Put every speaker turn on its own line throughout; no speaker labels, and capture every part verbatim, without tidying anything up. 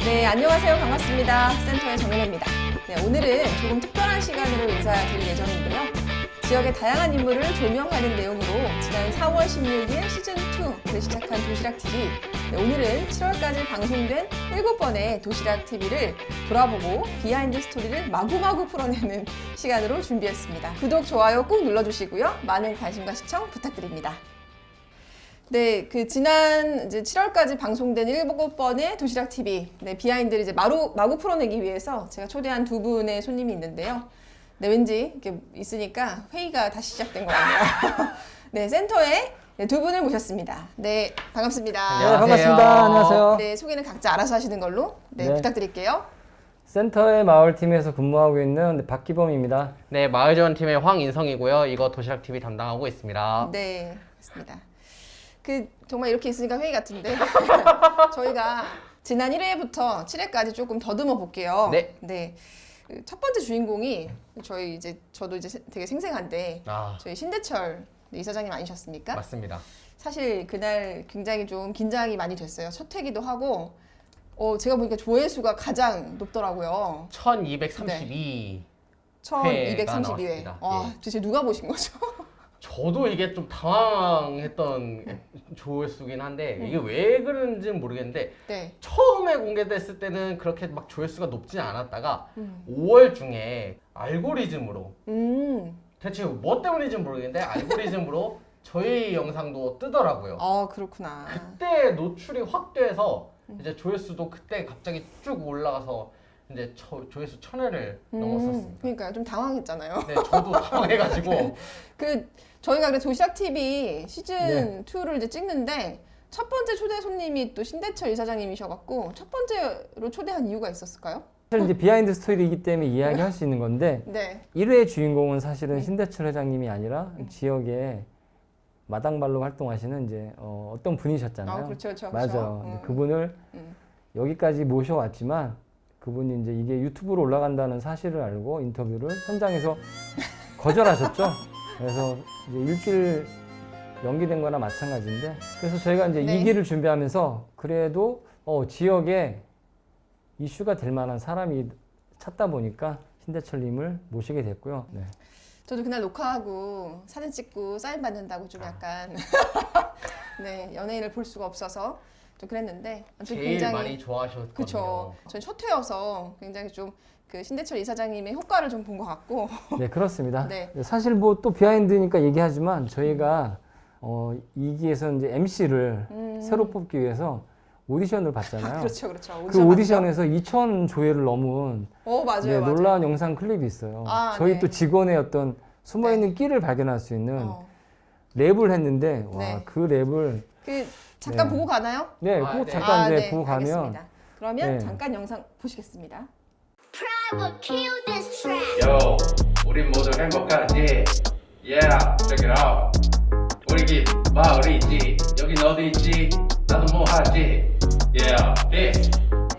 네, 안녕하세요. 반갑습니다. 센터의 정연아입니다. 네, 오늘은 조금 특별한 시간으로 인사드릴 예정인데요. 지역의 다양한 인물을 조명하는 내용으로 지난 사월 십육일 시즌이를 시작한 도시락티비. 네, 오늘은 칠월까지 방송된 일곱 번의 도시락티비를 돌아보고 비하인드 스토리를 마구마구 풀어내는 시간으로 준비했습니다. 구독, 좋아요 꼭 눌러주시고요. 많은 관심과 시청 부탁드립니다. 네, 그 지난 이제 칠월까지 방송된 일곱 번의 도시락티비 네, 비하인드를 이제 마루, 마구 풀어내기 위해서 제가 초대한 두 분의 손님이 있는데요. 네, 왠지 이렇게 있으니까 회의가 다시 시작된 것 같네요. 네, 센터에 네, 두 분을 모셨습니다. 네, 반갑습니다.
안녕하세요. 네, 반갑습니다. 안녕하세요.
네, 소개는 각자 알아서 하시는 걸로 네,
네.
부탁드릴게요.
센터의 마을팀에서 근무하고 있는 박기범입니다.
네, 마을지원팀의 황인성이고요. 이거 도시락티비 담당하고 있습니다.
네, 그렇습니다. 그 정말 이렇게 있으니까 회의 같은데 저희가 지난 일 회부터 칠 회까지 조금 더듬어 볼게요.
네.
네. 그 첫 번째 주인공이 저희 이제 저도 이제 되게 생생한데
아,
저희 신대철 이사장님 아니셨습니까?
맞습니다.
사실 그날 굉장히 좀 긴장이 많이 됐어요. 첫 회기도 하고 어 제가 보니까 조회수가 가장 높더라고요.
천이백삼십이.
천이백삼십이 회.
나왔습니다.
와,
예.
도대체 누가 보신 거죠?
저도 이게 좀 당황했던 조회수긴 한데 이게 왜 그런지는 모르겠는데
네.
처음에 공개됐을 때는 그렇게 막 조회수가 높지 않았다가
음.
오월 중에 알고리즘으로
음.
대체 뭐 때문인지는 모르겠는데 알고리즘으로 저희 영상도 뜨더라고요.
아, 그렇구나.
그때 노출이 확 돼서 이제 조회수도 그때 갑자기 쭉 올라가서 이제 저, 조회수 천 회를
음,
넘었었습니다.
그러니까 좀 당황했잖아요.
네, 저도 당황해가지고
그 저희가 그 도시락티비 시즌
네.
이를 이제 찍는데 첫 번째 초대 손님이 또 신대철 이사장님이셔갖고 첫 번째로 초대한 이유가 있었을까요?
사실 이제 비하인드 스토리이기 때문에 이야기할 수 있는 건데
네.
일 회 주인공은 사실은 신대철 회장님이 아니라
음.
지역에 마당발로 활동하시는 이제 어, 어떤 분이셨잖아요.
아, 그렇죠, 그렇죠.
맞아요.
음.
그분을
음.
여기까지 모셔왔지만 그분이 이제 이게 유튜브로 올라간다는 사실을 알고 인터뷰를 현장에서 거절하셨죠. 그래서 이제 일주일 연기된 거나 마찬가지인데 그래서 저희가 이제
네.
이 기를 준비하면서 그래도 어, 지역에 이슈가 될 만한 사람이 찾다 보니까 신대철님을 모시게 됐고요. 네.
저도 그날 녹화하고 사진 찍고 사인 받는다고 좀
아.
약간 네 연예인을 볼 수가 없어서 좀 그랬는데 아무튼
제일
굉장히
많이 좋아하셨거든요.
그렇죠. 전 첫 회여서 굉장히 좀 그 신대철 이사장님의 효과를 좀 본 것 같고
네, 그렇습니다.
네.
사실 뭐 또 비하인드니까 얘기하지만 저희가 어, 이 기에서 이제 엠씨를
음.
새로 뽑기 위해서 오디션을 봤잖아요.
그렇죠, 그렇죠.
그
오디션
오디션에서 이천 조회를 넘은
어 맞아요,
네,
맞아요.
놀라운 영상 클립이 있어요.
아,
저희
네.
또 직원의 어떤 숨어있는 끼를 발견할 수 있는
어.
랩을 했는데 와,
네.
그 랩을
그 잠깐
네.
보고 가나요?
네,
아,
꼭
네.
잠깐
아,
이제
네,
보고 가면
알겠습니다. 그러면
네.
잠깐 영상 보시겠습니다.
Pride will kill this track.
Yo, 우린 모두 행복하지? Yeah, check it out. 우리 집 마을이 있지. 여긴 어디 있지? 나도 뭐 하지? Yeah, this.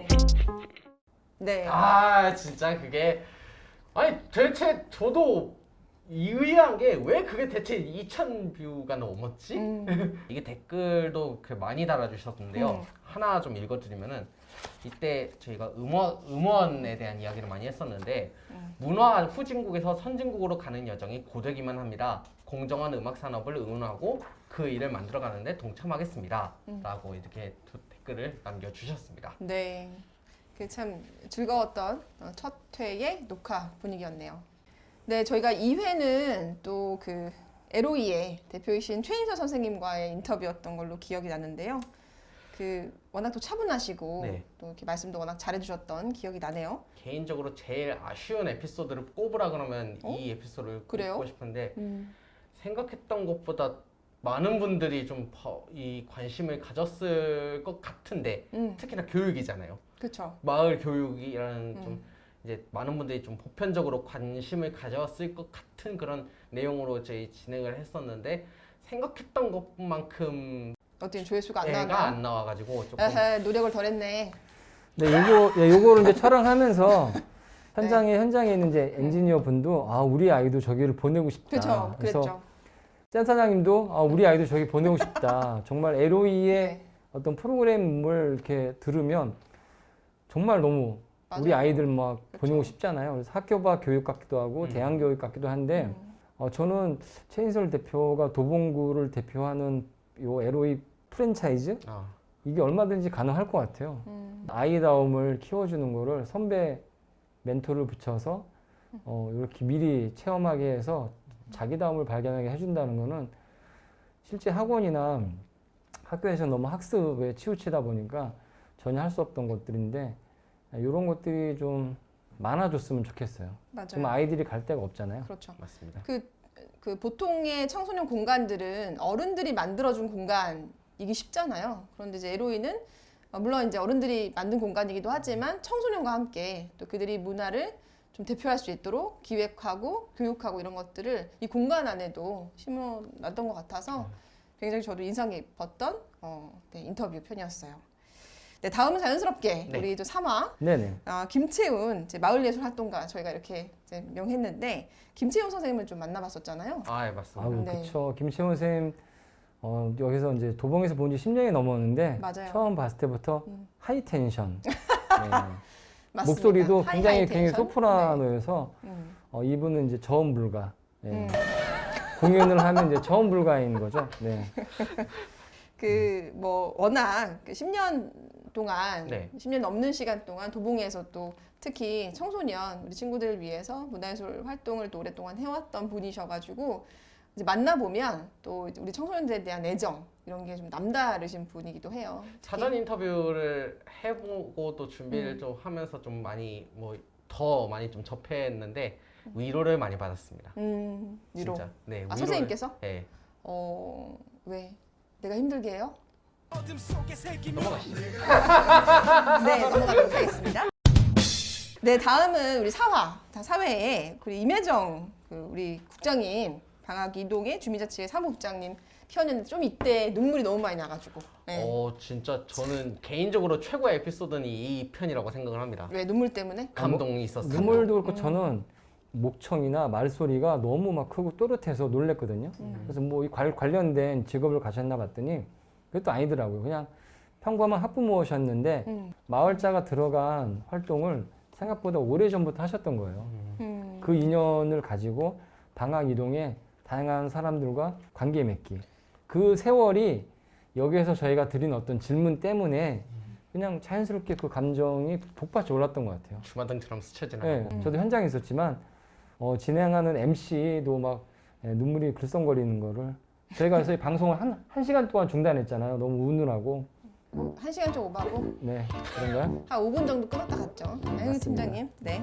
네.
아, 진짜 그게 아니 대체 저도 의아한 게 왜 그게 대체 이천 뷰가 넘었지?
음.
이게 댓글도 그 많이 달아주셨는데요.
음.
하나 좀 읽어드리면은 이때 저희가 음원, 음원에 대한 이야기를 많이 했었는데
음.
문화 후진국에서 선진국으로 가는 여정이 고되기만 합니다. 공정한 음악 산업을 응원하고 그 일을 만들어가는데 동참하겠습니다.
음.
라고 이렇게 두 댓글을 남겨주셨습니다.
네. 그 참 즐거웠던 어, 첫 회의 녹화 분위기였네요. 네, 저희가 이 회는 또 그 엘오이의 대표이신 최인서 선생님과의 인터뷰였던 걸로 기억이 나는데요. 그 워낙 또 차분하시고
네.
또 이렇게 말씀도 워낙 잘해주셨던 기억이 나네요.
개인적으로 제일 아쉬운 에피소드를 꼽으라 그러면
어?
이 에피소드를
그래요?
꼽고 싶은데
음.
생각했던 것보다 많은 분들이 좀 이 관심을 가졌을 것 같은데
음.
특히나 교육이잖아요.
그렇죠.
마을 교육이라는
음.
좀 이제 많은 분들이 좀 보편적으로 관심을 가졌을 것 같은 그런 내용으로 저희 진행을 했었는데 생각했던 것만큼
어떻게 조회수가 안
애가
나왔나요?
안 나와가지고 조금
에헤, 노력을 덜 했네.
네, 요거 예, 요거를 이제 촬영하면서 현장에 현장에 있는 이제 엔지니어 분도 아 우리 아이도 저기를 보내고 싶다.
그렇죠.
그래서
그랬죠.
센 사장님도 아, 우리 아이도 저기 보내고 싶다. 정말 엘오이의
네.
어떤 프로그램을 이렇게 들으면 정말 너무
맞아요.
우리 아이들 막
그쵸.
보내고 싶잖아요. 그래서 학교바 교육 같기도 하고
음.
대안 교육 같기도 한데
음.
어, 저는 최인설 대표가 도봉구를 대표하는 요 엘오이 프랜차이즈
아,
이게 얼마든지 가능할 것 같아요.
음.
아이다움을 키워주는 거를 선배 멘토를 붙여서 어, 이렇게 미리 체험하게 해서 자기다움을 발견하게 해준다는 거는 실제 학원이나 학교에서 너무 학습에 치우치다 보니까 전혀 할 수 없던 것들인데 이런 것들이 좀 많아졌으면 좋겠어요.
맞아요.
지금 아이들이 갈 데가 없잖아요.
그렇죠.
맞습니다.
그, 그 보통의 청소년 공간들은 어른들이 만들어준 공간이기 쉽잖아요. 그런데 이제 엘오이는 물론 이제 어른들이 만든 공간이기도 하지만 청소년과 함께 또 그들이 문화를 좀 대표할 수 있도록 기획하고 교육하고 이런 것들을 이 공간 안에도 심어놨던 것 같아서 굉장히 저도 인상 깊었던 어, 네, 인터뷰 편이었어요. 네, 다음은 자연스럽게
네.
우리 또 삼 화
네네.
아, 김채훈 이제 마을예술활동가 저희가 이렇게 이제 명했는데 김채훈 선생님을 좀 만나봤었잖아요.
아, 예, 맞습니다.
아우
네.
그쵸. 김채원 선생님 어, 여기서 이제 도봉에서 본 지 십 년이 넘었는데
맞아요.
처음 봤을 때부터
음.
하이 텐션. 네.
맞습니다.
목소리도
하이,
굉장히
하이
굉장히
텐션?
소프라노여서
네. 음.
어, 이분은 이제 저음 불가. 네.
음.
공연을 하면 이제 저음 불가인 거죠. 네.
그 뭐 워낙 그 십 년 동안
네.
십 년 넘는 시간 동안 도봉에서 또 특히 청소년 우리 친구들을 위해서 문화예술 활동을 또 오랫동안 해왔던 분이셔가지고 이제 만나 보면 또 우리 청소년들에 대한 애정 이런 게 좀 남다르신 분이기도 해요.
사전 인터뷰를 해보고 또 준비를
음.
좀 하면서 좀 많이 뭐 더 많이 좀 접했는데 위로를 많이 받았습니다.
음, 위로.
진짜. 네.
아
위로를-
선생님께서?
네.
어 왜? 내가 힘들게 해요?
넘어가시죠.
네, 넘어가도록 하겠습니다. 네, 다음은 우리 사화, 다 사회에 우리 임혜정 그 우리 국장님 방학 이동의 주민자치회 사무국장님 편이었는데 좀 이때 눈물이 너무 많이 나가지고. 네.
어, 진짜 저는 개인적으로 최고의 에피소드는 이 편이라고 생각을 합니다.
왜 눈물 때문에?
감동이 있었어요.
눈물도
음.
그렇고 저는 목청이나 말소리가 너무 막 크고 또렷해서 놀랬거든요.
음.
그래서 뭐 이 관련된 직업을 가셨나 봤더니 그것도 아니더라고요. 그냥 평범한 학부모셨는데
음.
마을자가 들어간 활동을 생각보다 오래전부터 하셨던 거예요.
음.
그 인연을 가지고 방학 이동에 다양한 사람들과 관계 맺기. 그 세월이 여기에서 저희가 드린 어떤 질문 때문에 그냥 자연스럽게 그 감정이 복받쳐 올랐던 것 같아요.
주마등처럼 스쳐
네,
지나가고.
저도 현장에 있었지만 어, 진행하는 엠씨도 막 예, 눈물이 글썽거리는 거를 저희가 그래서 이 방송을 한, 한 시간 동안 중단했잖아요. 너무 우느라고.
한 시간 좀 오바고
네, 그런가요?
한 오 분 정도 끊었다 갔죠. 네,
맞습니다.
팀장님. 네.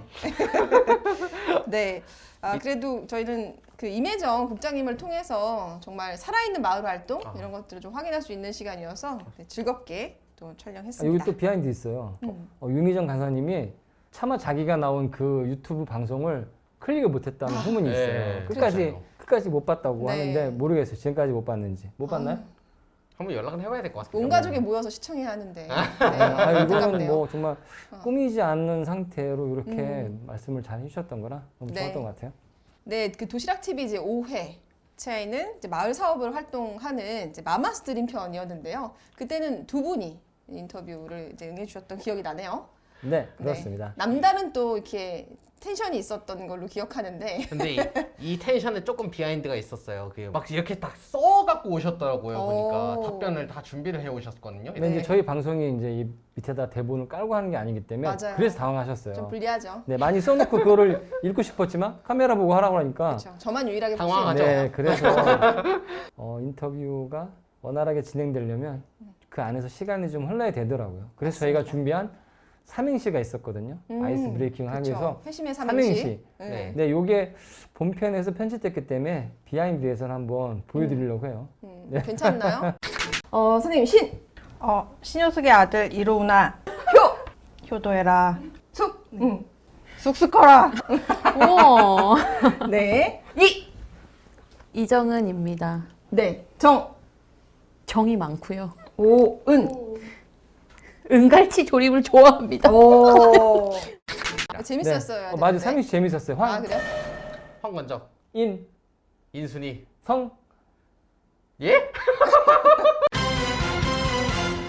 네. 아, 그래도 저희는 그 임혜정 국장님을 통해서 정말 살아있는 마을 활동
아.
이런 것들을 좀 확인할 수 있는 시간이어서 네, 즐겁게 또
아, 여기
촬영했습니다.
또 비하인드 있어요.
음.
어, 윤희정 간사님이 차마 자기가 나온 그 유튜브 방송을 클릭을 못했다는 후문이 있어요.
네,
끝까지
그렇죠.
끝까지 못 봤다고
네.
하는데 모르겠어요. 지금까지 못 봤는지. 못 봤나요?
한번 연락은 해봐야 될 것 같습니다.
온 가족이 모여서 시청해야 하는데. 네,
아, 이거는
안타깝네요.
뭐 정말
어.
꾸미지 않는 상태로 이렇게
음.
말씀을 잘 해주셨던 거라 너무
네.
좋았던 것 같아요.
네, 그 도시락 티비 이제 오 회차에는 이제 마을 사업을 활동하는 이제 마마스트림 편이었는데요. 그때는 두 분이 인터뷰를 이제 응해주셨던 기억이 나네요.
네, 그렇습니다.
네. 남다른 또 이렇게 텐션이 있었던 걸로 기억하는데.
근데 이, 이 텐션에 조금 비하인드가 있었어요. 그 막 이렇게 딱 써갖고 오셨더라고요. 보니까
오.
답변을 다 준비를 해 오셨거든요.
근데
네.
이제 저희 방송이 이제 이 밑에다 대본을 깔고 하는 게 아니기 때문에
맞아요.
그래서
좀
당황하셨어요.
불리하죠.
네, 많이 써놓고 그거를 읽고 싶었지만 카메라 보고 하라고 하니까
그렇죠. 저만 유일하게 볼수
당황하죠.
있는
네, 그래서 어, 인터뷰가 원활하게 진행되려면 그 안에서 시간이 좀 흘러야 되더라고요. 그래서 저희가 준비한 삼행시가 있었거든요.
음,
아이스 브레이킹을 하기 위해서
그렇죠. 회심의 삼행시.
삼행시.
네.
네.
네, 요게 본편에서 편집됐기 때문에 비하인드에서는 한번 보여드리려고 해요.
음,
네.
괜찮나요? 어, 선생님 신,
어, 신효숙의 아들 이로우나
효,
효도해라
숙, 음.
쑥쑥 커라.
우와.
네, 이,
이정은입니다.
네, 정,
정이 많고요.
오, 은.
은갈치 조림을 좋아합니다.
오. 재밌었어요.
네. 어, 맞아, 삼행시 재밌었어요.
아,
황,
그래요?
황건적,
인,
인순이.
성.
예?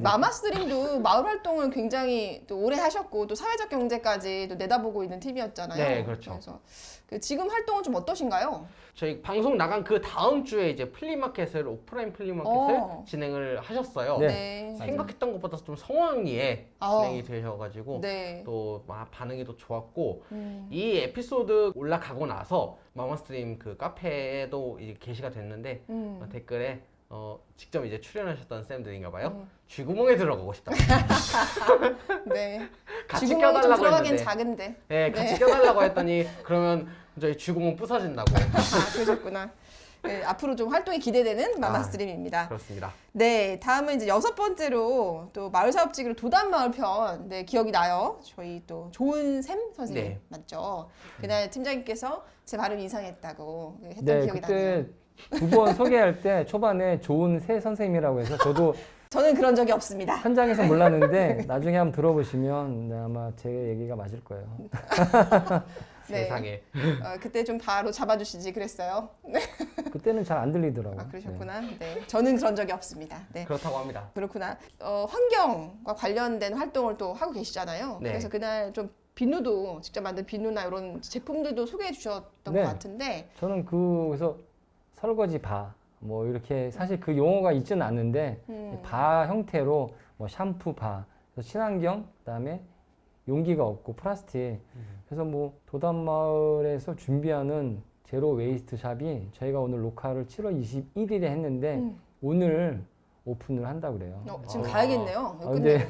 마마스트림도 마을 활동을 굉장히 또 오래 하셨고 또 사회적 경제까지 또 내다보고 있는 팀이었잖아요.
네, 그렇죠.
그래서 그 지금 활동은 좀 어떠신가요?
저희 방송 나간 그 다음 주에 이제 플리마켓을 오프라인 플리마켓을
어.
진행을 하셨어요.
네.
생각했던 것보다 좀 성황리에
아.
진행이 되셔가지고
네.
또 막 반응이 또 좋았고
음.
이 에피소드 올라가고 나서 마마스트림 그 카페에도 이제 게시가 됐는데
음.
어, 댓글에 어, 직접 이제 출연하셨던 쌤들인가봐요.
음.
쥐구멍에 들어가고 싶다.
네.
같이
쥐구멍이 좀
껴달라고
들어가긴
했는데.
작은데.
네, 같이
네.
껴달라고 했더니 그러면 저희 쥐구멍 부서진다고.
아, 그러셨구나. 네, 앞으로 좀 활동이 기대되는 마마스트림입니다.
그렇습니다.
네, 다음은 이제 여섯 번째로 또 마을 사업지기로 도담마을 편, 네, 기억이 나요. 저희 또 좋은 샘 선생님
네.
맞죠? 그날 팀장님께서 제 발음이 이상했다고 했던
네,
기억이 나네요.
그때 두 번 소개할 때 초반에 좋은 새 선생님이라고 해서 저도
저는 그런 적이 없습니다.
현장에서 몰랐는데 나중에 한번 들어보시면 네, 아마 제 얘기가 맞을 거예요.
네.
세상에.
어, 그때 좀 바로 잡아주시지 그랬어요. 네.
그때는 잘 안 들리더라고요.
아, 그러셨구나. 네. 저는 그런 적이 없습니다. 네.
그렇다고 합니다.
그렇구나. 어, 환경과 관련된 활동을 또 하고 계시잖아요.
네.
그래서 그날 좀 비누도 직접 만든 비누나 이런 제품들도 소개해 주셨던
네.
것 같은데
저는 그래서 설거지 바, 뭐 이렇게 사실 그 용어가 있지는 않는데
음.
바 형태로 뭐 샴푸 바, 그래서 친환경, 그다음에 용기가 없고 플라스틱. 그래서 뭐 도담마을에서 준비하는 제로 웨이스트 샵이 저희가 오늘 녹화를 칠월 이십일일에 했는데
음.
오늘 오픈을 한다고 그래요.
어, 지금
아.
가야겠네요.
아, 근데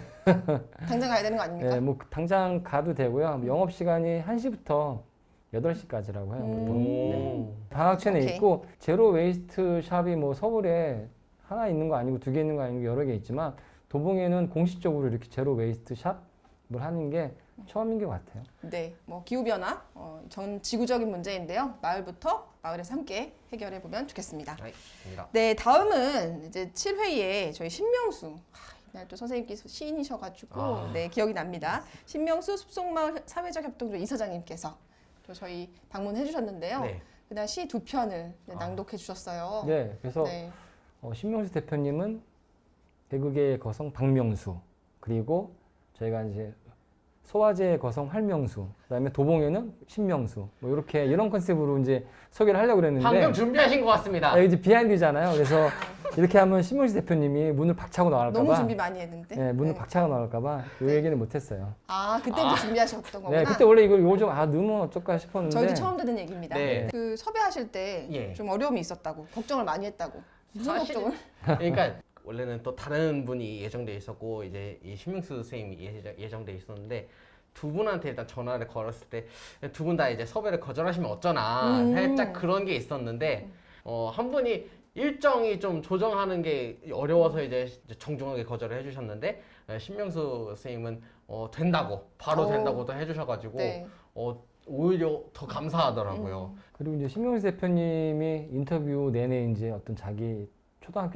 당장 가야 되는 거 아닙니까?
네, 뭐 당장 가도 되고요. 영업 시간이 한 시부터 여덟 시까지라고 해요. 보통.
음.
네. 방학촌에
오케이.
있고 제로 웨이스트 샵이 뭐 서울에 하나 있는 거 아니고 두 개 있는 거 아니고 여러 개 있지만 도봉에는 공식적으로 이렇게 제로 웨이스트 샵을 하는 게 처음인 것 같아요.
네, 뭐 기후 변화, 어, 전 지구적인 문제인데요. 마을부터 마을에서 함께 해결해 보면 좋겠습니다.
네, 좋습니다.
네, 다음은 이제 칠 회에 저희 신명수. 하, 이날 또 선생님께서 시인이셔가지고
아.
네 기억이 납니다. 신명수 숲속마을 사회적 협동조 이사장님께서 또 저희 방문해 주셨는데요.
네.
그날 시 두 편을 네,
아.
낭독해 주셨어요.
네, 그래서
네.
어, 신명수 대표님은 개그계의 거성 박명수, 그리고 저희가 이제 소화제의 거성 활명수, 그다음에 도봉에는 신명수, 뭐 이렇게 이런 컨셉으로 이제 소개를 하려고 그랬는데
방금 준비하신 것 같습니다.
아, 이게 이제 비하인드잖아요. 그래서 이렇게 하면 신명수 대표님이 문을 박차고 나갈까봐
너무 준비 많이 했는데.
네, 문을
네.
박차고 나갈까봐 이
네.
얘기는 못했어요.
아, 그때부터 준비하셨던 거구나.
네, 그때 원래 이걸 요즘 아 넣으면 어쩔까 싶었는데
저희도 처음 듣는 얘기입니다.
네.
그 섭외하실 때 좀
예.
어려움이 있었다고 걱정을 많이 했다고. 무슨
사실-
걱정을?
그러니까 원래는 또 다른 분이 예정돼 있었고 이제 이 신명수 선생님이 예정, 예정돼 있었는데 두 분한테 일단 전화를 걸었을 때 두 분 다 이제 섭외를 거절하시면 어쩌나
음.
살짝 그런 게 있었는데 어, 한 분이 일정이 좀 조정하는 게 어려워서 이제 정중하게 거절을 해주셨는데 어, 신명수 선생님은 어, 된다고 바로
오.
된다고도 해주셔가지고
네.
어, 오히려 더 감사하더라고요.
그리고 이제 신명수 대표님이 인터뷰 내내 이제 어떤 자기 초등학교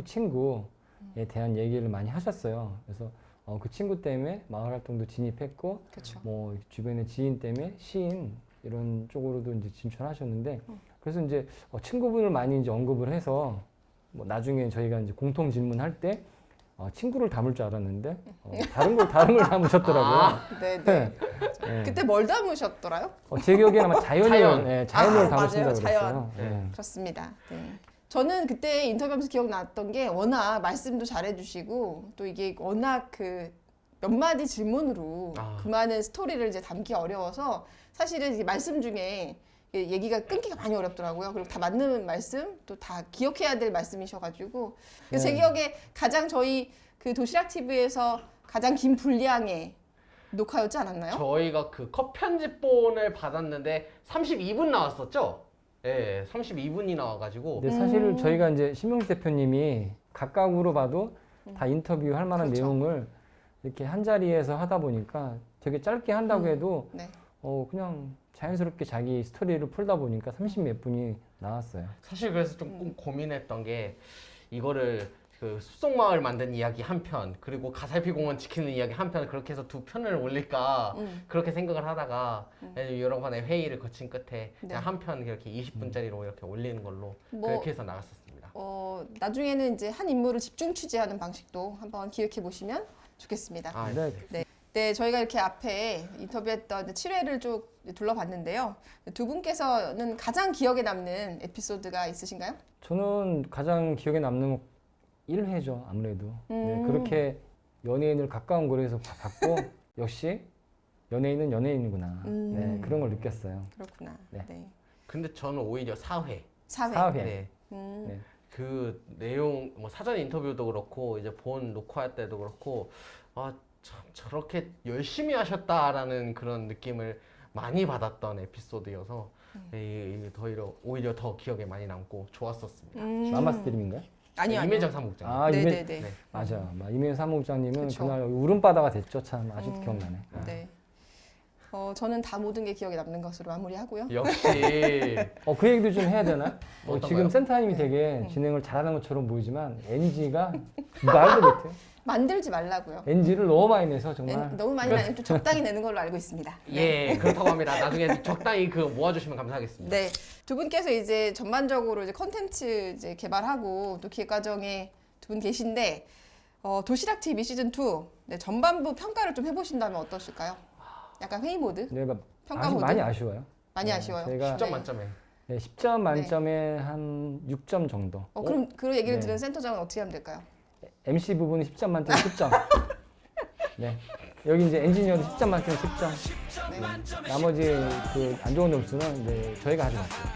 친구에 대한 얘기를 많이 하셨어요. 그래서 어, 그 친구 때문에 마을 활동도 진입했고
그렇죠.
뭐 주변의 지인 때문에 시인 이런 쪽으로도 이제 진출하셨는데 그래서 이제 어, 친구분을 많이 이제 언급을 해서 뭐 나중에 저희가 이제 공통 질문할 때 어, 친구를 담을 줄 알았는데 어, 다른 걸 다른 걸 담으셨더라고요.
아.
네, 네.
네.
그때 뭘 담으셨더라요?
어, 제 기억에는 아마 자연을
자연.
예, 자연을
아,
담으신다고
맞아요,
그랬어요.
자연.
예.
그렇습니다. 네. 저는 그때 인터뷰하면서 기억났던 게 워낙 말씀도 잘해주시고 또 이게 워낙 그 몇 마디 질문으로
아.
그 많은 스토리를 이제 담기 어려워서 사실은 이게 말씀 중에 이게 얘기가 끊기가 많이 어렵더라고요. 그리고 다 맞는 말씀 또 다 기억해야 될 말씀이셔가지고 그래서 제
네.
기억에 가장 저희 그 도시락 티비에서 가장 긴 분량의 녹화였지 않았나요?
저희가 그 컷 편집본을 받았는데 삼십이 분 나왔었죠? 예, 삼십이 분이 나와가지고
근데 사실
음.
저희가 이제 신명수 대표님이 각각으로 봐도 다 인터뷰할 만한
그렇죠.
내용을 이렇게 한 자리에서 하다 보니까 되게 짧게 한다고
음.
해도
네.
어 그냥 자연스럽게 자기 스토리를 풀다 보니까 삼십 몇 분이 나왔어요.
사실 그래서 좀 고민했던 게 이거를 그 숲속마을 만든 이야기 한 편 그리고 가살피공원 지키는 이야기 한 편 그렇게 해서 두 편을 올릴까
음.
그렇게 생각을 하다가 여러 번의 회의를 거친 끝에
네.
그냥 한 편 이렇게 이십 분짜리로 이렇게 올리는 걸로
뭐-
그렇게 해서 나갔었습니다.
어, 나중에는 이제 한 인물을 집중 취재하는 방식도 한번 기획해 보시면 좋겠습니다.
아,
네.
네.
네, 저희가 이렇게 앞에 인터뷰했던 칠 회를 쭉 둘러봤는데요. 두 분께서는 가장 기억에 남는 에피소드가 있으신가요?
저는 가장 기억에 남는 일 회죠, 아무래도.
음.
네, 그렇게 연예인을 가까운 거리에서 봐- 봤고 역시 연예인은 연예인이구나.
음.
네, 그런 걸 느꼈어요.
그렇구나.
네.
네.
근데 저는 오히려 사 회.
사 회.
사 회.
네.
음.
네.
그 내용 뭐 사전 인터뷰도 그렇고 이제 본 녹화 때도 그렇고 아 참 저렇게 열심히 하셨다라는 그런 느낌을 많이 받았던 에피소드여서 이, 이 오히려 오히려 더 기억에 많이 남고 좋았었습니다.
음.
마마스 드림인가요?
아니요, 아니요.
임혜정 사무국장.
아,
네,
이메-
네, 네.
네.
맞아. 이메일 사무국장님은
그쵸.
그날 울음바다가 됐죠. 참 아직도
음.
기억나네.
네. 어, 저는 다 모든 게 기억에 남는 것으로 마무리하고요.
역시
어, 그 얘기도 좀 해야 되나? 어,
어떤가요?
지금 센터님이 되게 진행을 잘하는 것처럼 보이지만 엔지가 말도 못해.
만들지 말라고요.
엔지를 너무 많이 내서 정말.
네, 너무 많이 나면 좀 적당히 내는 걸로 알고 있습니다.
예 그렇다고 합니다. 나중에 적당히 그 모아주시면 감사하겠습니다.
네, 두 분께서 이제 전반적으로 이제 컨텐츠 이제 개발하고 또 기획 과정에 두 분 계신데 어, 도시락 티비 시즌 투 네, 전반부 평가를 좀 해보신다면 어떠실까요? 약간 회의 모드,
내가
평가
아직
모드
많이 아쉬워요.
많이
네,
아쉬워요.
제가
십 점
네.
만점에
네, 십 점 만점에 한 육 점 정도.
어, 그럼 그 얘기를
네.
들은 센터장은 어떻게 하면 될까요?
엠씨 부분은 십 점 만점에 십 점. 네. 여기 이제 엔지니어도 십 점 만점에 십 점.
네.
나머지 그 안 좋은 점수는 이제 저희가 하지 마세요.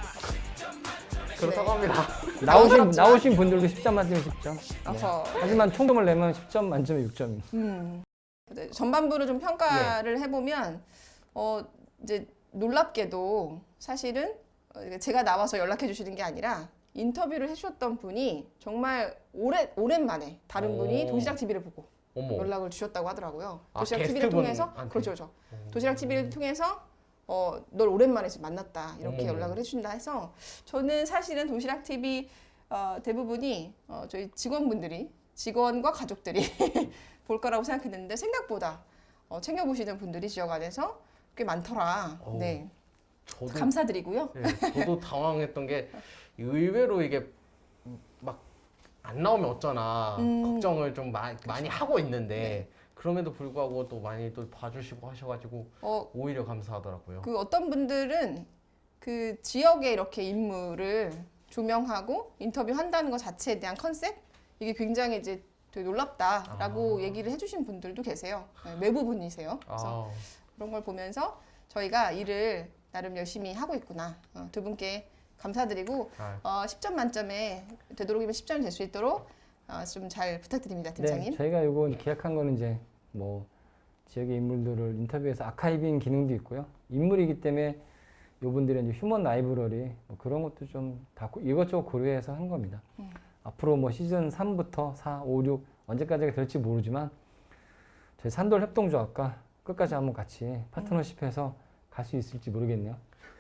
그렇다고
네.
합니다.
나오신,
당황스럽지만.
나오신 분들도 십 점 만점에 십 점. 네.
어허.
하지만 총점을 내면 십 점 만점에 육 점입니다.
음. 네, 전반부를 좀 평가를
네.
해보면 어 이제 놀랍게도 사실은 어, 이게 제가 나와서 연락해 주시는 게 아니라 인터뷰를 해주셨던 분이 정말 오래 오랜만에 다른 분이
오.
도시락 티비를 보고
어머.
연락을 주셨다고 하더라고요.
아,
도시락 티비를 통해서
게스트분한테?
그렇죠, 그렇죠. 도시락 티비를 통해서 어, 널 오랜만에 지금 만났다 이렇게
어머.
연락을 해준다 해서 저는 사실은 도시락 티비 어, 대부분이 어, 저희 직원분들이 직원과 가족들이 볼 거라고 생각했는데 생각보다 어, 챙겨보시는 분들이 지역 안에서 꽤 많더라.
오.
네,
저도
감사드리고요.
네, 저도 당황했던 게 의외로 이게 막 안 나오면 어쩌나
음.
걱정을 좀 마, 많이 하고 있는데 그럼에도 불구하고 또 많이 또 봐주시고 하셔가지고
어,
오히려 감사하더라고요.
그 어떤 분들은 그 지역의 이렇게 인물을 조명하고 인터뷰한다는 것 자체에 대한 컨셉 이게 굉장히 이제 되게 놀랍다라고
아.
얘기를 해주신 분들도 계세요. 네, 외부분이세요. 그래서
아,
그런 걸 보면서 저희가 일을 나름 열심히 하고 있구나. 어, 두 분께 감사드리고
아,
어, 십 점 만점에 되도록이면 십 점이 될 수 있도록 어, 좀 잘 부탁드립니다, 팀장님.
네, 저희가 이거 계약한 거는 이제 뭐 지역의 인물들을 인터뷰해서 아카이빙 기능도 있고요. 인물이기 때문에 이분들의 이제 휴먼 라이브러리 뭐 그런 것도 좀 다 이것저것 고려해서 한 겁니다.
음.
앞으로 뭐 시즌 삼부터 사, 오, 육 언제까지가 될지 모르지만 저희 산돌 협동조합과 끝까지 한번 같이 파트너십해서 갈 수 있을지 모르겠네요.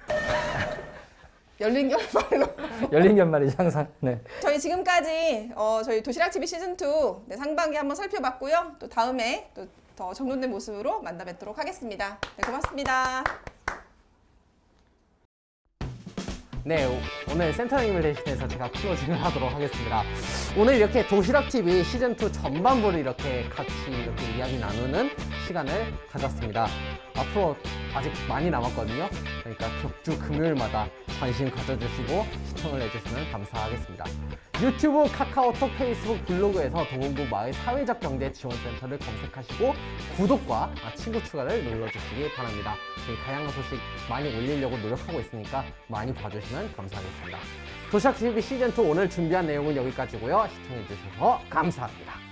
열린 결말로.
열린 결말이죠 항상. 네.
저희 지금까지 어, 저희 도시락 티비 시즌 투 네, 상반기 한번 살펴봤고요. 또 다음에 또 더 정돈된 모습으로 만나 뵙도록 하겠습니다. 네, 고맙습니다.
네, 오- 오늘 센터님을 대신해서 제가 클로징을 하도록 하겠습니다. 오늘 이렇게 도시락 티비 시즌 투 전반부를 이렇게 같이 이렇게 이야기 나누는 시간을 가졌습니다. 앞으로 아직 많이 남았거든요. 그러니까 격주 금요일마다 관심 가져주시고 시청을 해주시면 감사하겠습니다. 유튜브, 카카오톡, 페이스북, 블로그에서 도봉구 마을 사회적 경제 지원센터를 검색하시고 구독과 친구 추가를 눌러주시기 바랍니다. 저희 다양한 소식 많이 올리려고 노력하고 있으니까 많이 봐주시면 감사하겠습니다. 도시락 티비 시즌 투 오늘 준비한 내용은 여기까지고요. 시청해주셔서 감사합니다.